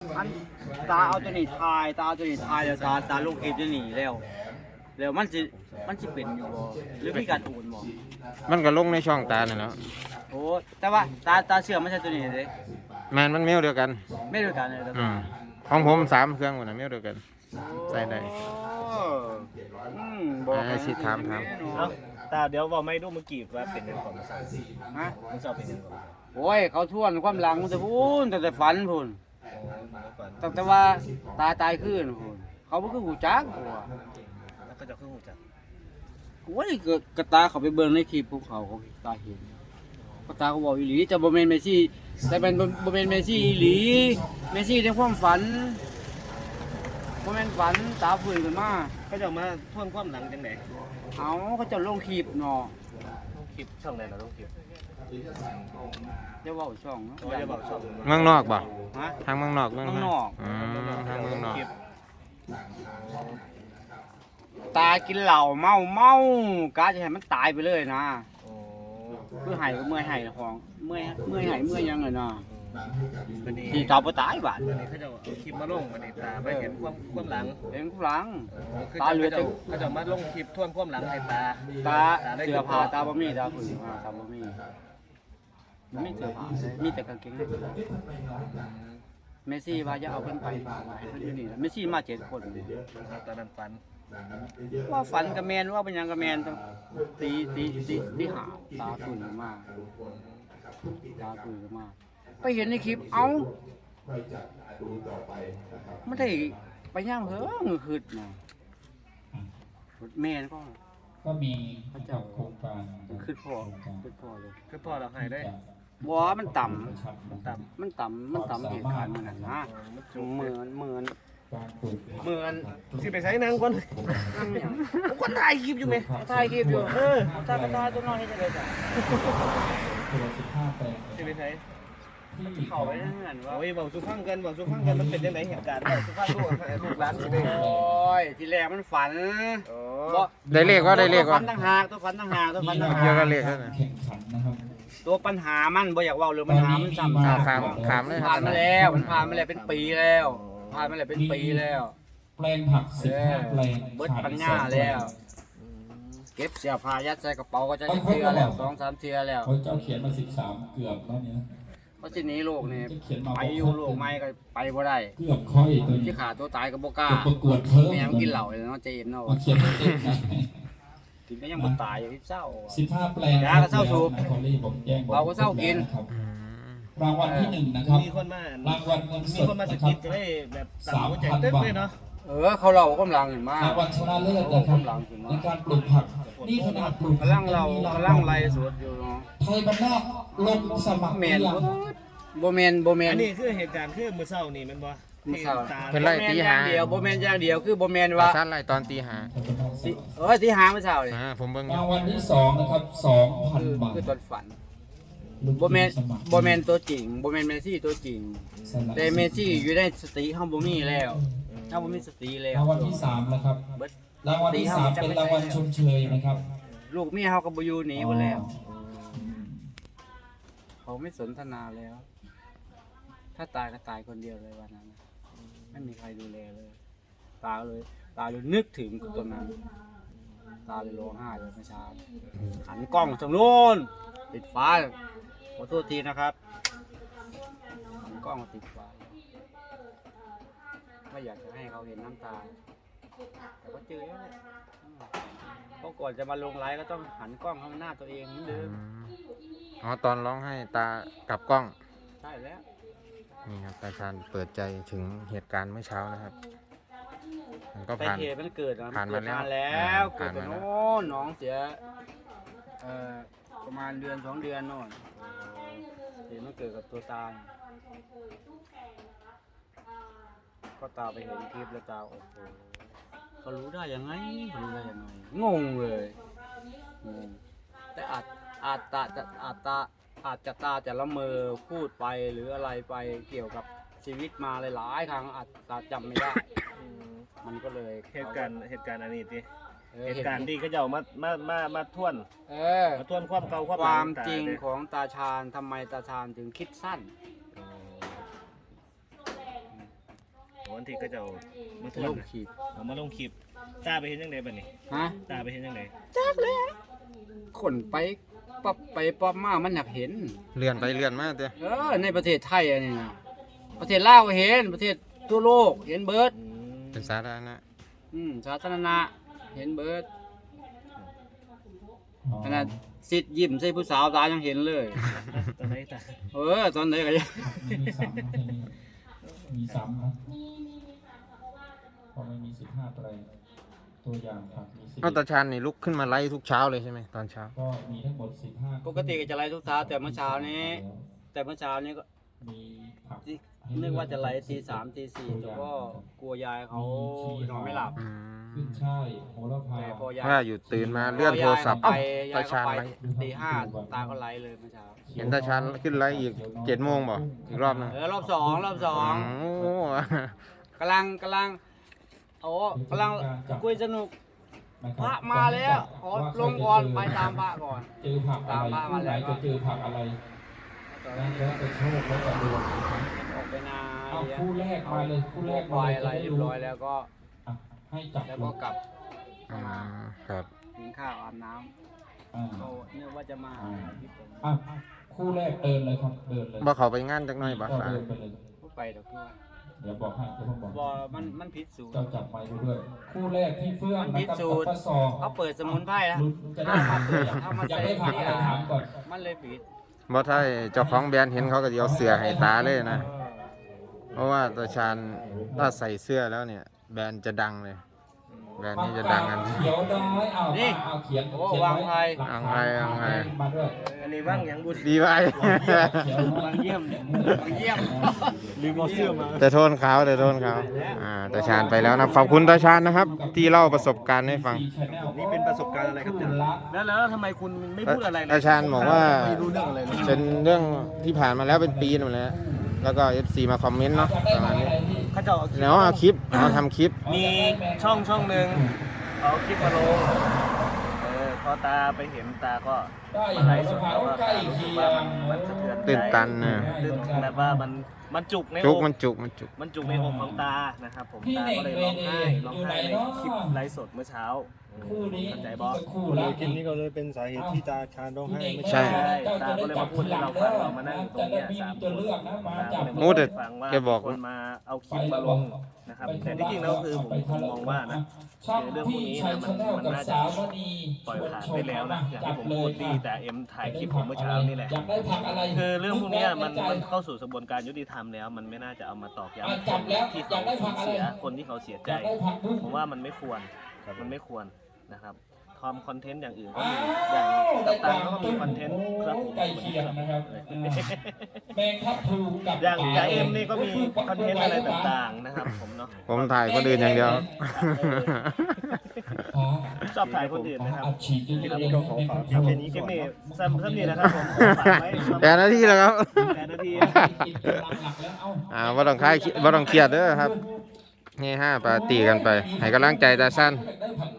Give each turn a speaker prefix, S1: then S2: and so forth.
S1: อันตาเอาตัวนี้ทายตาเอาตัวนี้ทายแล้วตาลูกคลิปจะหนีแล้วมันสิเป็นอยู่บ่หรือมีการโอนบ่
S2: มันก็ลงในช่องตาเนี่ยแหล้ว
S1: โอ้แต่ว่าตาเชื่อไม่ใช่ตัวนี้เลย
S2: มันเมลเดียวกัน
S1: ไม่ด้วยกันเลย
S2: ของผม3เครื่องหมดนะเมลเดียวกันใส่ได้
S1: บอก
S2: สิถาม
S3: เอ้าตาเดี๋ยวบอกไม่ดูเมื่อกี้ว่าเป็นยังไงก่อนมาสั่ง
S1: ฮะ
S3: มันสอบเป็นยังไงก่อน
S1: โอ้ยเขาทวนความหลังมันจะพูนแต่ฝันพูน
S3: ก่อน
S1: แต่ว่าตายขึ้นพูนเขาบ่คือหูจักกูว่า
S3: แล้วก็จะขึ้นหูจัก
S1: โอ้ยกระตาเขาไปเบิ่งในคลิปภูเขาตาเห็นกระตาเขาบอกอีหลีจะบ่แม่นเมสซี่แต่เป็นบ่แม่นเมสซี่อีหลีเมสซี่ในความฝันบ่แม่นฝันตาฟื้นขึ้นมา
S3: ก็จะมาทวนความหลังจังไหน
S1: เอาเขาจะลงคลิปเนาะ
S3: คลิปช่องไหนเราต้องคลิป
S1: จะเว้าช่องเนาะ
S3: โอ้ยจะบอกช่อง
S2: เมืองนอกบ่
S1: ฮะ
S2: ทางเมืองนอกเมือง
S1: เมืองนอก
S2: ทางเมืองนอก
S1: ตากินเหล้าเมากะจะให้มันตายไปเลยนะ
S3: โอ้
S1: คือให้ก็เมื่อยให้ละของเมื่อยให้เมื่อยยังเลยนะ
S3: วันนี้
S1: ที่ตาบ่ตายบาด
S3: วันนี้เขาจะเอาคลิปมาลงวันนี้ตาไปเห็นความหลัง
S1: เห็นหลัง
S3: คือ
S1: ตาเหลือแต่
S3: เขาจะมาลงคลิปทวนความหลังให้ตา
S1: ตาเสื้อผ้าตาบ่มีตาฝืนมาตาบ่มีมันมีเสื้อผ้าเลยมีแต่กางเกงในเมสซี่ว่าจะเอาเพิ่นไปฝากไว้ให้เพิ่นอยู่นี่เมสซี่มา7คนนี่
S3: ตอนนั้นฝัน
S1: ว่าฝันกับแมนว่าเป็นหยังกับแมนต้องตีหาตาฝืนมาตาฝืนมาไปเห็นในคลิปเอ้าไม่ได้ไปย่างเฮ้อคืดนะแม่น
S4: ก็มีนะครับโครงการ
S1: คืดพ่อเลย
S3: คือพ่อเราหายได้
S1: บ่มันต่
S3: ต่
S1: ำมันต่ำเหตุการณ์มันนะเหมือน
S4: การปลูก
S3: ำที่ไปใช้นางคนคนถ่ายคลิปอยู่ไหม
S1: ถ่ายคลิปอยู่ถ่ายตัวน้อยนี่จะเลยจ้ะ
S4: ตัว15แปลง
S3: ที่ไปใช้
S4: ที่
S1: เข้าไปนั่นนั่นว่า
S3: โอ้ยบอกสุฟังกันมันเป็นยังไงเหตุการณ์บอกสุฟังลูกร้านสิได้
S1: โอ้ยทีแรกมันฝัน
S3: โอ้
S2: ได้เลขว่า
S1: ตัวฝันต่างหากตัวฝันต่างหาก
S2: เกี่ยวกับเลข
S4: การแข่งขันนะครับ
S1: ตัวปัญหามันบ่อยากเว้าเรื่องปัญหามันซ้ำ
S2: ขามเลย
S1: ผ่านมาแล้วมันผ่านมาแล้วเป็นปีแล้วผ่านมาแล้วเป็นปีแล้ว
S4: แปลงผัก15แปลง
S1: เบิดปัญญาแล้ว เก็บเสื้อผ้ายัดใส่กระเป๋าก็จะเทื่อแล้ว2-3เทื่อแล้ว
S4: เขาเจ้าเขียนมา13เกือบแล้วเนี่ย
S1: เพราะทีนี้โลกนี่ไปอยู่โลกใหม่ก็ไปบ่ได้
S4: เกือบค่อยตัวนี้
S1: ที่ขาตัวตายก็บ่กล้า
S4: ประกวดเพิ่ม
S1: แม่มันกินเหล้าเลยเนาะเจมเนาะ
S4: มาเขียนไม่เต็มนะ
S1: กินก็ยังบ่ตายอยู่ที่เศร้า
S4: 15แปลง
S1: ยาก็เศร้าสูบ
S4: คอรี่ผมแจ้ง
S1: เราก็เศร้ากิน
S4: รางวัลที่1นะครับ
S3: มีคนมาร
S4: างวัลเงินส
S3: มี
S4: ด
S3: คนมาส
S4: นะครั
S3: กิ
S4: บ
S3: ดจะได้แบบสั่งหัวใจเต้นเลยเนาะ
S1: เขาเล่ากำลังเห็นมาร
S4: างวัลชนะเลิศนะครับในการปลูกผักนี่ขนาดปลูก
S1: กำลังไล่สวดอยู่เนาะ
S4: ไทยบ้านนอกลงสมัคร
S1: แม่น
S4: หรือยัง
S1: บ่แม่น
S3: อันนี้คือเหตุการณ์คือมือเศร้านี่มันบ่
S1: มื้อเช้า
S2: เป็นไรตีหา
S1: บ่แม่นอย่างเดียวคือบ่แม่นว่า
S2: สั้นไรตอนตีหา
S1: ที่หาเมื่อเช้านี่
S2: ผมเบิ่ง
S4: รางวัลที่2นะครับ 2,000 บาท
S1: คือตอนฝันบ่แม่นตัวจริงบ่แม่นเมสซี่ตัวจริง แต่เมสซี่อยู่ในสติเฮาบ่มีแล้วเฮาบ่มีสติแล้ว
S4: รางวัลที่3นะครับ
S1: เบิด
S4: รางวัลที่3เป็นรางวัลชมเชยนะครับ
S1: ลูกเมียเฮาก็บ่อยู่หนีหมดแล้ว เขาไม่สนทนาแล้ว ถ้าตายก็ตายคนเดียวเลยวันนั้นนะไม่มีใครดูแลเลย ตาเลยนึกถึงตอนนั้น ตาเลยร้องไห้เลยเมื่อเช้าหันกล้องทางโน้นติดฟ้าขอโทษทีนะครับหันกล้องมาติดฟ้าไม่อยากจะให้เขาเห็นน้ำตา แต่ก็เจอแล้วแหละเพราะก่อนจะมาลงไลฟ์ก็ต้องหันกล้องเข้าหน้าตัวเองเหมือนเดิม
S2: ตอนร้องให้ตากับกล้อง
S1: ใช่แล้ว
S2: นี่ครับตาชาญเปิดใจถึงเหตุการณ์เมื่อเช้านะครับ มันก็
S1: ไป
S2: ผ่าน
S1: เหตุมันเกิด
S2: ผ่านมาแล้ว
S1: แล้วเกิ
S2: ผ่า
S1: ด
S2: น
S1: แต่
S2: มาแล้ว
S1: โน่นน้องเสียประมาณ1-2 เดือนโน่นเหตุมันเกิดกับตัวตาก็ตาไปเห็นคลิปแล้วตาโอ้โหเขารู้ได้ยังไงงงเลยงงแต่อาจจะตาจะละเมอพูดไปหรืออะไรไปเกี่ยวกับชีวิตมาหลายๆครั้งอาจตาจำไม่ได้ มันก็เลย
S3: เหตุการณ์อันนี้ดิ
S1: เออ
S3: เหตุการณ์ที่เขาจะเอามาทวน
S1: เออ
S3: มาทวนความเก่าความ
S1: ค
S3: หลั
S1: วาม
S3: ต
S1: จริง
S3: เลย
S1: ของตาชาญทำไมตาชาญถึงคิดสั้น
S3: อันที่ก็จะมาท
S1: ลู
S3: น
S1: กขีด
S3: เอามาลงคลิปตาไปเห็นยังไงบัดนี้
S1: ฮะ
S3: ตาไปเห็นยังไง
S1: คนไปปั๊บไปปั๊บมามันอยากเห็น
S2: เลื่อนไปเลื่อนมาเด้อ
S1: ในประเทศไทยอันนี้นะประเทศลาวก็เห็นประเทศทั่วโลกเห็นเบิร์ด
S2: เป็นสาธารณะ
S1: สาธารณะเห็นเบิร์ดขนาดสิทธิ์ยิ้มใส่ผู้สาวตายังเห็นเลย
S3: ตอนไหนตา
S1: ตอนไหนก็ยัง
S4: มีซ้ำนะพอไม่มี15ไตรตัวอย่างผักมี10
S2: เอาตาชานนี่ลุกขึ้นมาไล่ทุกเช้าเลยใช่ไหมตอนเช้า
S4: ก็มีทั้งหมด15
S1: ปกติก็จะไล่ทุกเช้าแต่เมื่อเช้านี้ก็
S4: มีผัก
S1: นึกว่าจะไล่ตี 3 ตี 4แต่ก็กลัวยายเขานอนไม่หลับ
S2: อื
S4: ขึ้
S2: ม
S4: นช่ายโหระพา
S1: แต่พอยาย
S2: ว่าอยู่ตื่นมาเลื่อนโทรศัพท์
S1: พอยาย
S2: ตา
S1: เขา
S2: ชาน
S1: ไป
S2: ไล่
S1: ตี 5ตาก็ไล่เลยเมื่อเช้า
S2: เห็นตาชานขึ้นไล่อีก7 โมงบ่อีกรอบหนึง
S1: รอบสอง
S2: โอ้
S1: กำลังกำลังคุยสนุกพระมาแล้วขอลงก่อนไปตามพระก่อน
S4: เจอผักอะไรคู่ไหนจะเจอผักอะไรนั่นแล้วแต่โชคแล้วแต่ดวง
S1: ออกไปนา
S4: เอาคู่แรกมาเลยคู่แรก
S1: วายอะไรเรียบร้อยแล้วก็
S4: อ่ะให้จับ
S1: แล้วก็กลับ
S2: อืมครับ
S1: กินข้าวอาบน้ำ
S4: อ่า
S1: เขาเนื่องว่าจะมาหาพี่ผม
S4: อ่ะคู่แรกเดินเลยครับเดินเลย
S2: บ่เขาไปงานจักหน่อยบ่
S4: ก็
S2: สา
S4: เดินไปเลย
S1: พูดไปเดี๋ยวคือว่า
S4: เดี๋ยวบอกให้เดี๋ยวผมบอก
S1: บอมันผิดสูตร
S4: เจ้าจับไม้ไปด้วยคู่แรกที่เฟื่อง
S1: มันพิ
S4: นะครับ
S1: สูจน์
S4: กับป้าซอ
S1: เขาเปิดสมุนไพรแล้ว
S4: ลุ้นจะได้ผักเลยอยากได้ผักอะไรถามก่อน
S1: มันเลยผิด
S2: บ่ถ้าเจ้าของแบรนด์เห็นเขาก็สิเอาเสื้อให้ตาเลยนะ เพราะว่าตาชานถ้าใส่เสื้อแล้วเนี่ย แบรนด์จะดังเลย แบรนด์นี้จะดังกัน
S4: เขียวน้อยเอา
S1: นี่
S4: เอาเขียน
S1: โอ้
S4: เขียน
S1: วางไพ่
S2: วางไพ่วางไพ่
S4: มาด้วย
S3: อันนี้ว่างยังบุญ
S2: ดีไว้
S4: เขียวน้อย
S1: บางเยี่ยมลืมเอาเสื้อมา
S2: แต่โทนเขาตาชานไปแล้วนะขอบคุณตาชานนะครับ ที่เล่าประสบการณ์ให้ฟัง
S3: นี่เป็นประสบการณ์อะไรครับแล้วทำไมคุณไม่พูดอะไรเลย
S2: ตาชานบอกว่า
S3: ไม่รู้เรื่องอะไรเลย
S2: เป็นเรื่องที่ผ่านมาแล้วเป็นปีนั่นแหละแล้วก็ FC มาคอมเมนต์เนาะประมาณนี้
S3: เขาจะเอา
S2: แล้วเอาคลิปเอาทำคลิป
S3: มีช่องหนึ่งเอาคลิปมาลงพอตาไปเห็นตาก็
S4: ได้
S3: มาไลฟ์สดแล้วก็
S4: ใกล้
S3: รู้สึ
S4: เคี
S3: ก
S4: ย
S3: ว่าง มันสะเทือนใจ
S2: ตื่นตันนะ
S3: ตื่นแบบว่ามันจุกใน
S2: จุ
S3: อก ก
S2: มันจุก
S3: มันจุกในอกของตานะครับผมตาก็เลยร้องไห้ในคลิปไลฟ์สดเมื่อเช้า
S4: คู่นี้
S3: เข้าใจบอส
S4: คู่ละ
S5: คลิปนี้ก็เลยเป็นสาเหตุที่ตาชาญร้องไห้ไม่
S2: ใช่
S3: ตาก็เลยมาพูดให้เราฟังเรามานั่งอยู่ตรงเนี้ยสามคน
S2: โอ้แต่
S3: ฟังว่า
S2: แกบอก
S3: คนมาเอาคลิปมาลงนะครับแต่ที่จริงแล้วคือผมมองว่านะคือเรื่องพวกนี้นะมันน่าจะปล่อยผ่านไปแล้วนะอย่างที่ผมพูดที่แต่เอ็มถ่ายคลิปผมเมื่อเช้านี่แหละ
S4: อยากได้ผักอะไร
S3: คือเรื่องพวกเนี้ยมันเข้าสู่กระบวนการยุติธรรมแล้ว มันไม่น่าจะเอามาตอกย้ำ
S4: จับแล้ว
S3: ที่
S4: อยากได้ผั
S3: เขา
S4: กอะไร
S3: เสียคนที่เขาเสียใจ
S4: อยากได้ผักบุ้ง
S3: ผมว่ามันไม่ควรมันไม่ควรนะครับทำคอนเทนต์อย่างอื่นก็
S4: อ้า
S3: มีอย่าง
S4: ว
S3: กัปตันเขาก็มีคอนเทนต์ครับผม
S4: ใกล้เคียงนะครับแมงทับพลูกับ
S3: อย่างจ่าเอ็มนี่ก็มีคอนเทนต์อะไรต่างๆนะครับผมเนาะ
S2: ผมถ่ายคนอื่นอย่างเดียว
S3: ชอบถ่ายคนอื่นนะครับ
S4: อัดฉีด
S3: คลิป
S4: เย
S3: นี้
S4: อะ
S3: ก็
S4: ๆ
S3: ขอ
S4: ให้
S3: ฝาก
S4: มัน
S3: คลิปนี้สั้นนี่นะครับผมฝากไว้
S2: แต่หน้าที่แล้วครับ
S3: 8 นาที
S4: หลักๆแล้วเอ้า
S2: บ่ต้องคลายบ่ต้องเครียดเด้อครับนี่5ปาร์ตี้กันไป ให้กำลังใจตาสั้น
S4: อยากได้ผัก